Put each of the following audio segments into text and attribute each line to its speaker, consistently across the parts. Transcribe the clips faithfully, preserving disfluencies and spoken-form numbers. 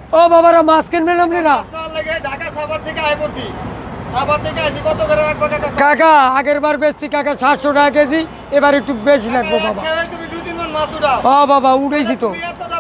Speaker 1: ও বাবারা মাছ কিনবেন আপনারা? কাকা আগের বার বেচছি কাকা সাতশো টাকা কেজি, এবার একটু বেশি লাগবে বাবা। ও বাবা উঠেছি তো।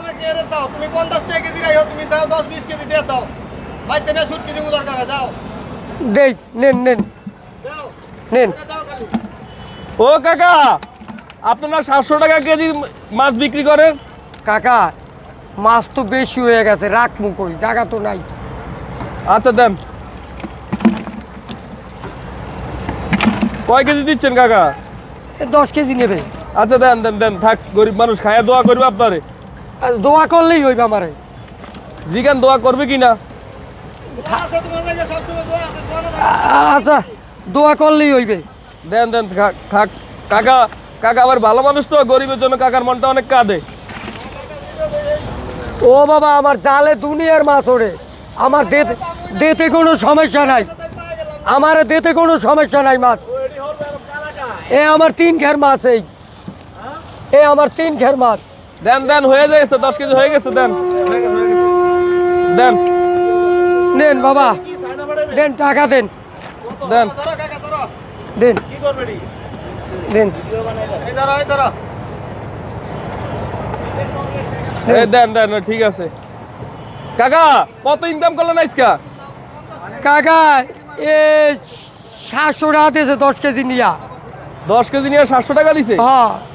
Speaker 1: দেই নেন নেন নেন।
Speaker 2: ও কাকা, আপনারা সাতশো টাকা কেজি মাছ বিক্রি করেন?
Speaker 1: কাকা মাছ তো বেশি হয়ে গেছে, রাখবো কই, জায়গা তো নাই।
Speaker 2: আচ্ছা দেন। কয় কেজি দিচ্ছেন কাকা?
Speaker 1: এ দশ কেজি নেবে।
Speaker 2: আচ্ছা দেন দেন দেন, থাক, গরিব মানুষ খায়া দোয়া করবে আপনারে।
Speaker 1: আর দোয়া করলেই হইবে আমারে।
Speaker 2: জিগান দোয়া করবে কিনা?
Speaker 1: আচ্ছা দোয়া করলেই হইবে।
Speaker 2: দেন দেন থাক থাক। কাকা কাকা আবার ভালো মানুষ তো, গরিবের জন্য কাকার মনটা অনেক কাঁদে।
Speaker 1: ও বাবা আমার জালে দুনিয়ার মাছ ওড়ে, আমার দেতে দেতে কোনো সমস্যা নাই, আমার দেতে কোনো সমস্যা নাই মাছ। এ আমার তিন ঘের মাছ, এই এ আমার তিন ঘের মাছ।
Speaker 2: দেন দেন, হয়ে গেছে, দশ কেজি হয়ে গেছে, দেন দেন
Speaker 1: নেন বাবা দেন, টাকা দেন
Speaker 2: দেন
Speaker 1: দেন দেন
Speaker 2: এই দেন দেন, ঠিক আছে। কাকা কত ইনকাম করলেন আজকা?
Speaker 1: কাকা এ সাতশো টাকা দিয়েছে দশ কেজি নিয়া।
Speaker 2: দশ কেজি নিয়ে সাতশো টাকা দিছে?
Speaker 1: হ্যাঁ